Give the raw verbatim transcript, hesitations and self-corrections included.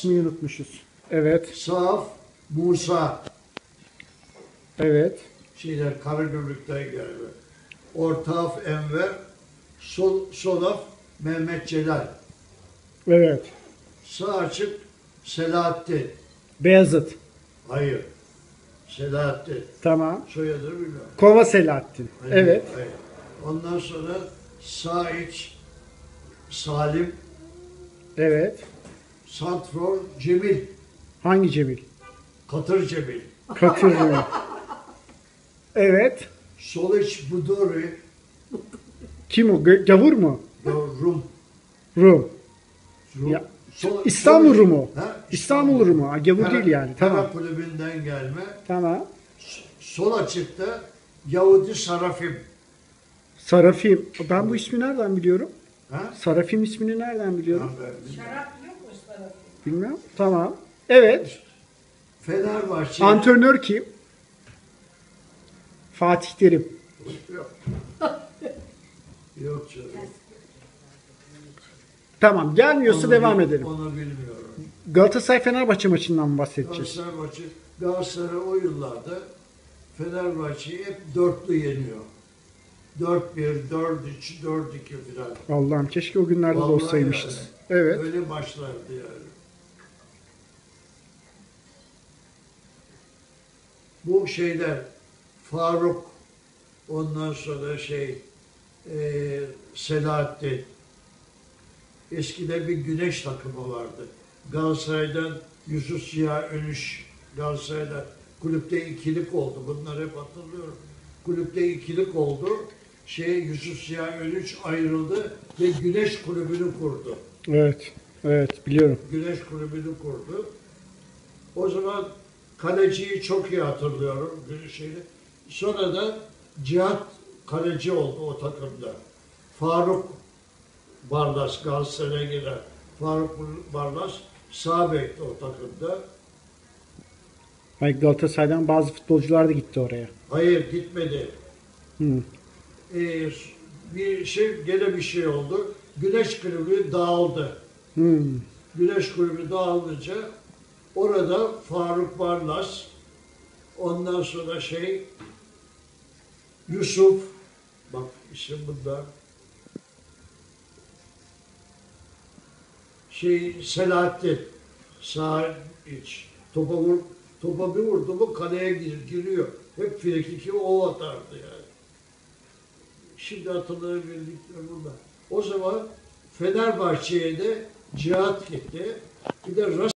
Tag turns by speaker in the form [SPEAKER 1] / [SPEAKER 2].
[SPEAKER 1] İsmini unutmuşuz. Evet.
[SPEAKER 2] Saf, Musa.
[SPEAKER 1] Evet.
[SPEAKER 2] Şeyler Karagümrük'ten gelme. Ortaf Enver, Sol, Solaf Mehmet Celal.
[SPEAKER 1] Evet.
[SPEAKER 2] Sağ açık Selahattin.
[SPEAKER 1] Beyazıt.
[SPEAKER 2] Hayır. Selahattin.
[SPEAKER 1] Tamam.
[SPEAKER 2] Soyadını bilmiyorum.
[SPEAKER 1] Kova Selahattin.
[SPEAKER 2] Hayır,
[SPEAKER 1] Evet.
[SPEAKER 2] hayır. Ondan sonra sağ iç Salim,
[SPEAKER 1] Evet.
[SPEAKER 2] Santfor Cemil,
[SPEAKER 1] Hangi Cemil?
[SPEAKER 2] Katır Cemil.
[SPEAKER 1] Katır Cemil. Evet.
[SPEAKER 2] Sol iç Budori,
[SPEAKER 1] Kim o? Gö- Gavur mu?
[SPEAKER 2] Rum.
[SPEAKER 1] Rum.
[SPEAKER 2] Rum.
[SPEAKER 1] Ya,
[SPEAKER 2] Sol-
[SPEAKER 1] İstanbul
[SPEAKER 2] sol iç-
[SPEAKER 1] Rumu.
[SPEAKER 2] Ha?
[SPEAKER 1] İstanbul Rumu. Ha, Gavur
[SPEAKER 2] Kara-
[SPEAKER 1] değil yani.
[SPEAKER 2] Kara
[SPEAKER 1] Tamam.
[SPEAKER 2] kulübünden gelme.
[SPEAKER 1] Tamam.
[SPEAKER 2] Sol açıkta Yahudi Sarafim.
[SPEAKER 1] Sarafim. Ben bu ismi nereden biliyorum?
[SPEAKER 2] Ha?
[SPEAKER 1] Sarafim ismini nereden biliyorum?
[SPEAKER 2] Ben bilmiyorum.
[SPEAKER 3] Şarap yok mu ıspanak?
[SPEAKER 1] Bilmem. Tamam. Evet.
[SPEAKER 2] Fenerbahçe.
[SPEAKER 1] Antrenör kim? Fatih Terim.
[SPEAKER 2] Yok. Yok canım.
[SPEAKER 1] Tamam. Gelmiyorsa
[SPEAKER 2] Onu
[SPEAKER 1] devam
[SPEAKER 2] bil-
[SPEAKER 1] edelim.
[SPEAKER 2] Onu bilmiyorum.
[SPEAKER 1] Galatasaray Fenerbahçe maçından mı bahsedeceğiz?
[SPEAKER 2] Galatasaray maçı, Galatasaray o yıllarda Fenerbahçe'yi hep dörtlü yeniyor. dört bir, dört üç, dört iki falan.
[SPEAKER 1] Allah'ım keşke o günlerde de
[SPEAKER 2] Vallahi
[SPEAKER 1] olsaymışız.
[SPEAKER 2] yani.
[SPEAKER 1] Evet.
[SPEAKER 2] Öyle maçlardı yani. Bu şeyler Faruk, ondan sonra şey e, Selahattin. Eskide bir güneş takımı vardı. Galatasaray'dan Yusuf Ziya Önüş, Galatasaray'da kulüpte ikilik oldu. Bunları hep hatırlıyorum. Kulüpte ikilik oldu. Şey Yusuf Ziya Önüş ayrıldı ve Güneş Kulübü'nü kurdu.
[SPEAKER 1] Evet. Evet biliyorum.
[SPEAKER 2] Güneş Kulübü'nü kurdu. O zaman kaleciyi çok iyi hatırlıyorum. Şeyi. Sonra da Cihat kaleci oldu o takımda. Faruk Barlas Galatasaray'a giren Faruk Barlas sağ bekti o takımda.
[SPEAKER 1] Hayır, Galatasaray'dan bazı futbolcular da gitti oraya.
[SPEAKER 2] Hayır gitmedi.
[SPEAKER 1] Hı.
[SPEAKER 2] Ee, bir şey gene bir şey oldu. Güneş Kulübü dağıldı.
[SPEAKER 1] Hı.
[SPEAKER 2] Güneş Kulübü dağılınca orada Faruk Barlas, ondan sonra şey Yusuf, bak isim bunda, şey Selahattin, sağ iç, topa, vur, topa bir vurdu mu kaleye gir, giriyor. Hep frikiki o atardı yani. Şimdi hatırlayabildiklerim bunlar. O zaman Fenerbahçe'ye de Cihat gitti. Bir de